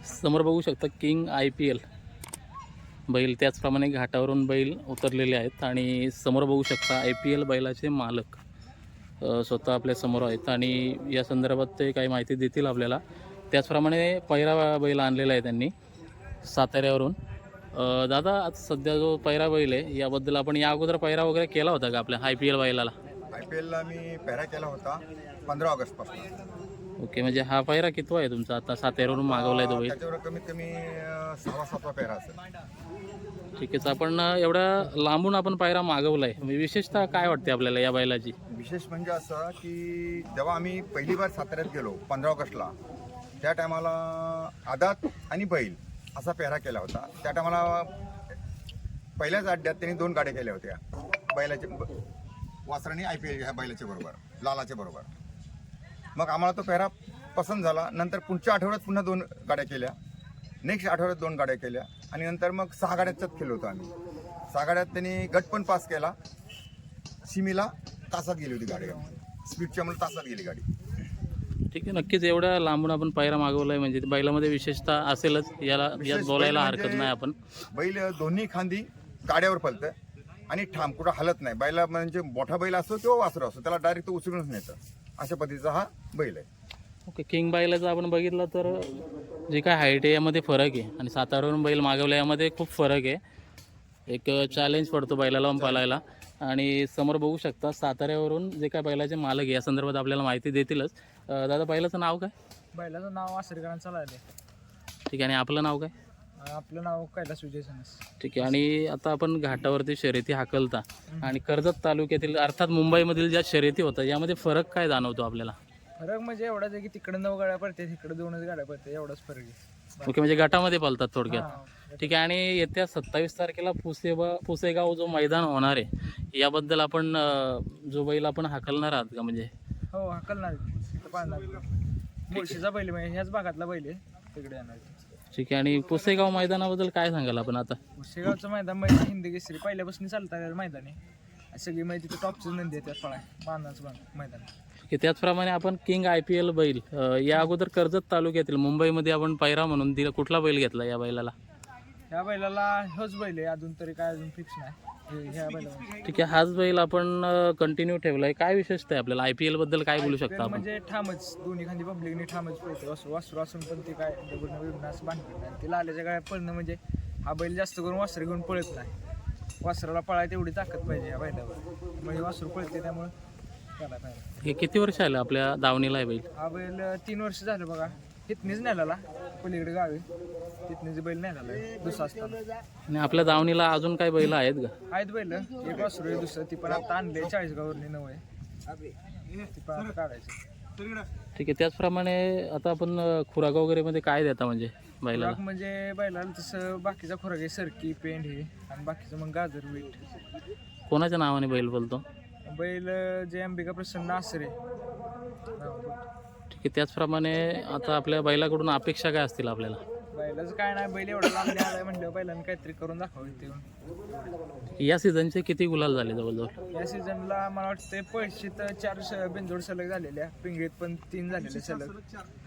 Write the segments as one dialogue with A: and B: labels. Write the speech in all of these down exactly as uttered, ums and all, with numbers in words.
A: समोर बघू शकता किंग आय पी एल बैल, त्याचप्रमाणे घाटावरून बैल उतरलेले आहेत आणि समोर बघू शकता आय पी एल बैलाचे मालक अ, स्वतः आपल्या समोर आहेत आणि या संदर्भात ते काही माहिती देतील आपल्याला. त्याचप्रमाणे पैरा बैल आणलेला आहे त्यांनी साताऱ्यावरून. अ, दादा, आज सध्या जो पैरा बैल आहे याबद्दल आपण या अगोदर पैरा वगैरे केला होता का आपल्या आय पी एल बैलाला?
B: आय पी एलला मी पेहरा केला होता पंधरा ऑगस्टपासून.
A: ओके, म्हणजे हा पैरा कितवा आहे तुमचा? आता साताऱ्यावरून मागवला आहे तो बैल.
B: त्याच्यावर कमीत कमी अं, सहावा सातवा पेहरा असेल.
A: ठीक आहे. आपण एवढा लांबून आपण पायरा मागवला आहे, विशेषतः काय वाटते आपल्याला या बैलाची?
B: विशेष म्हणजे असं की जेव्हा आम्ही पहिली बार साताऱ्यात गेलो पंधरा ऑगस्टला, त्या टायमाला आदात आणि बैल असा पेहरा केला होता. त्या टायमाला पहिल्याच अड्ड्यात त्यांनी दोन गाड्या केल्या होत्या बैलाचे वासराने आय पी एल ह्या बैलाच्या बरोबर, लालाच्या बरोबर. मग आम्हाला तो पेहरा पसंत झाला. नंतर पुढच्या आठवड्यात पुन्हा दोन गाड्या केल्या, नेक्स्ट आठवड्यात दोन गाड्या केल्या आणि नंतर मग सहा गाड्याच्याच खेळलो होतो आम्ही. सहा गाड्यात त्यांनी गट पण पास केला. सिमीला तासात गेली होती गाडी, स्पीडच्या मला तासात गेली गाडी.
A: ठीक आहे, नक्कीच एवढ्या लांबून आपण पायरा मागवला आहे म्हणजे बैलामध्ये विशेषतः असेलच, याला यात बोलायला हरकत नाही. आपण
B: बैल दोन्ही खांदी गाड्यावर पलतं आणि ठाम कुठं हलत नाही. बैला म्हणजे मोठा बैल असतो किंवा वासरू असतो त्याला डायरेक्ट उचलूनच नेतं, अशा पद्धतीचा हा बैल आहे.
A: ओके, किंग बैलाचं आपण बघितलं तर जे काय हाईट आहे यामध्ये फरक आहे आणि साताऱ्यावरून बैल मागवला यामध्ये खूप फरक आहे. एक चॅलेंज पडतो बैलाला पालायला. आणि समोर बघू शकता साताऱ्यावरून जे काय बैलाचे मालक आहे या संदर्भात आपल्याला माहिती देतीलच. अ, दादा, बैलाचं नाव काय?
C: बैलाचं नाव आसरीकरांचं लागले.
A: ठीक आहे, आणि आपलं नाव काय?
C: आपलं नाव कैलास विजय सनस.
A: ठीक आहे. आणि आता आपण घाटावरती शर्यती हाकलता आणि कर्जत तालुक्यातील अर्थात मुंबईमधील ज्या शर्यती होतात यामध्ये फरक काय जाणवतो आपल्याला?
C: फरक म्हणजे एवढाच आहे की तिकडे नऊ गाड्या पडतात, इकडे दोनच गाड्या पडतात, एवढाच फरक आहे.
A: ओके, म्हणजे गटामध्ये पालतात थोडक्यात.
C: हा.
A: ठीक आहे. आणि येत्या सत्तावीस तारखेला पुसेबा पुसेगाव जो मैदान होणार आहे याबद्दल आपण अ, जो बैल आपण हाकलणार आहात का? म्हणजे
C: हो, हकलणार तिथं पाळणार. मुळशीचा बैल म्हणजे ह्याच भागातला बैल आहे, तिकडे येणार.
A: ठीक आहे. आणि पुसेगाव मैदानाबद्दल काय सांगाल आपण आता?
C: शेगावचं मैदान म्हणजे हिंदी केसरी पहिल्यापासून चालतात मैदान आहे. सगळी माहिती तिथं टॉपचीच नंदी आहे, त्यात पळाय बांधाचं मैदान.
A: की त्याचप्रमाणे आपण किंग आय पी एल बैल अ, या अगोदर कर्जत तालुक्यातील मुंबईमध्ये आपण पैरा म्हणून दिला, कुठला बैल घेतला या बैलाला?
C: ह्या बैलाला होच बैल आहे, अजून तरी काय अजून फिक्स नाही हे- ह्या बैलाला.
A: ठीक आहे. हाच बैल आपण कंटिन्यू ठेवलाय. काय विशेषता आहे आपल्याला आय पी एल बद्दल काय बोलू शकता आपण?
C: म्हणजे ठामच दोन्ही खांदी पब्लिकने ठामच पळते. वासरू वासरू असून पण ते काय डबल बिबणं असं बांधत नाही. ते लाल्याच्या गाड्या पळणं म्हणजे हा बैल जास्त करून वासरं घेऊन पळत नाही. वासराला पळायला तेवढी ताकद पाहिजे या बैलावर, म्हणजे वासरू पळते त्यामुळे त्याला काय.
A: हे किती वर्ष आलं आपल्या दावणीला आहे बैल?
C: हा बैल तीन वर्ष झालं बघा. तिथनीच नेलेला पलीकडे गावी, तिथनीच बैल नेलेला आहे दुसरा असताना.
A: आणि आपल्या दावणीला अजून काय बैल आहेत का?
C: आहेत बैल, एक वासरू आहे दुसरं, ती पण आता आणले चाळीसगाववरनी नऊ आहे, ती पण आता काढायची.
A: ठीक आहे. त्याचप्रमाणे आता आपण अ, खुराक वगैरे मध्ये काय देता म्हणजे बैलाला?
C: खुराक म्हणजे बैलाला तसं बाकीचा खुराक आहे, सरकी पेंड हे आणि बाकीचं मग गाजर मीठ.
A: कोणाच्या नावाने बैल बोलतो?
C: बैल जे अंबिका प्रसन्न आसरे.
A: ठीक आहे. त्याचप्रमाणे आता आपल्या बैलाकडून अपेक्षा काय असतील आपल्याला?
C: बैलाचं काय नाही, बैल एवढा लांब आलाय म्हणलं बैलांनी काहीतरी करून दाखवावं ते.
A: या सीझनचे किती गुलाल झाले जवळजवळ?
C: या सीझनला मला वाटतं पळशीत तर चार श- बिनजोड सलग झालेल्या, पिंगळीत पण तीन झालेले सलग,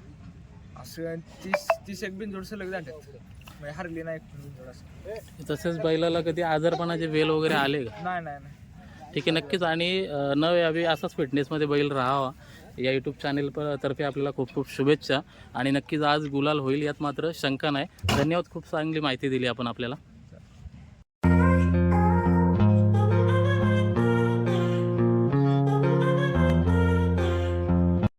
C: असं तीस तीस एक बिनजोड सलग झाल्यात, म्हणजे हरली नाही एक बिनजोड असं.
A: तसेच बैलाला कधी आजारपणाचे वेल वगैरे आले का?
C: नाही नाही नाही.
A: ठीक आहे, नक्कीच. आणि अ, न यावी असाच फिटनेसमध्ये बैल राहावा या यूट्यूब चॅनेल प तर्फे आपल्याला खूप खूप शुभेच्छा. आणि नक्कीच आज गुलाल होईल यात मात्र शंका नाही. धन्यवाद, खूप चांगली माहिती दिली आपण आपल्याला.